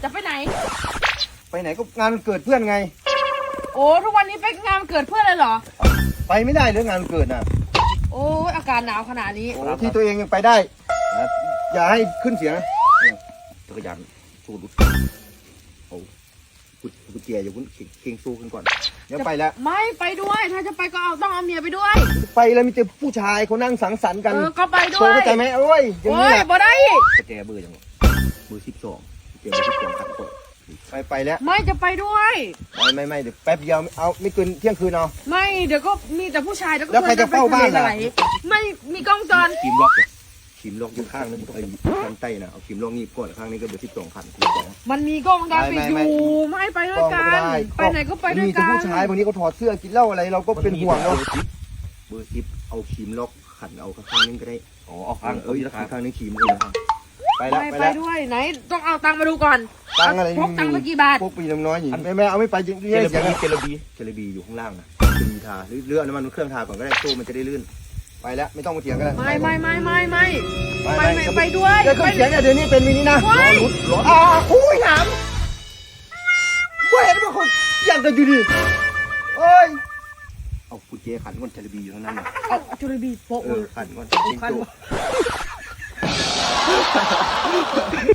จะไปไหนไปไหนก็งานเกิดเพื่อนไงโอ้ทุกวันนี้ไปงานเกิดเพื่อนเลยเหรอไปไม่ได้เรื่องงานเกิดน่ะโอ้อากาศหนาวขนาดนี้ที่ตัวเองยังไปได้อย่าให้ขึ้นเสียงจักรยานสู้ดุเอากุญแจอย่าพุ่งเก่งสู้ขึ้นก่อนเดี๋ยวไปแล้วไม่ไปด้วยถ้าจะไปก็ต้องเอาเมียไปด้วยไปแล้วมีแต่ผู้ชายเขานั่งสังสรรค์กันก็ไปด้วยเข้าใจไหมโอ้ยโอ้ยบ่ได้กุญแจเบอร์ยังเบอร์12กุญแจเบอร์12ครับไปแล้วไม่จะไปด้วยไม่เดี๋ยวแป๊บเดียวเอาไม่เกินเที่ยงคืนเอาไม่เดี๋ยวก็มีแต่ผู้ชายแล้วใครจะเฝ้าบ้านล่ะไม่มีกล้องจรขีมล็อกอยู่ข้างนึงไอ้ข้างใต้นะเอาขีมล็อกนี่ก่อนข้างนี้ก็เบอร์12,000 มันมีกล้องจรปิดอยู่ไม่ไปด้วยกันไปไหนก็ไปด้วยกันมีแต่ผู้ชายบางทีเขาถอดเสื้อกินเหล้าอะไรเราก็เป็นห่วงเนาะเบอร์10เอาขีมล็อกขันเอาข้างนึงก็ได้อ๋อเอาข้างข้างนี้ขีมเลยไปด้วยไหนต้องเอาตังค์มาดูก่อนตังอะไรพกตังค์ไปกี่บาทพกปีน้อยๆอย่างแม่เอาไม่ไปจริงเจลบีอยู่ข้างล่างนะมีทาเลื่อนน้ำมันเครื่องทาก่อนก็ได้ตู้มันจะได้ลื่นไปแล้วไม่ต้องมาเถียงกันไม่ไปด้วยเดี๋ยวเถียงเดี๋ยวนี้เป็นมินินะร้อนคุยหนามว่าเห็นว่าคนยังกันอยู่ดิเอ้ยเอากุญแจขันก่อนเจลบีอยู่ข้างนั้นเอาเจลบีโป๊ะขันก่อน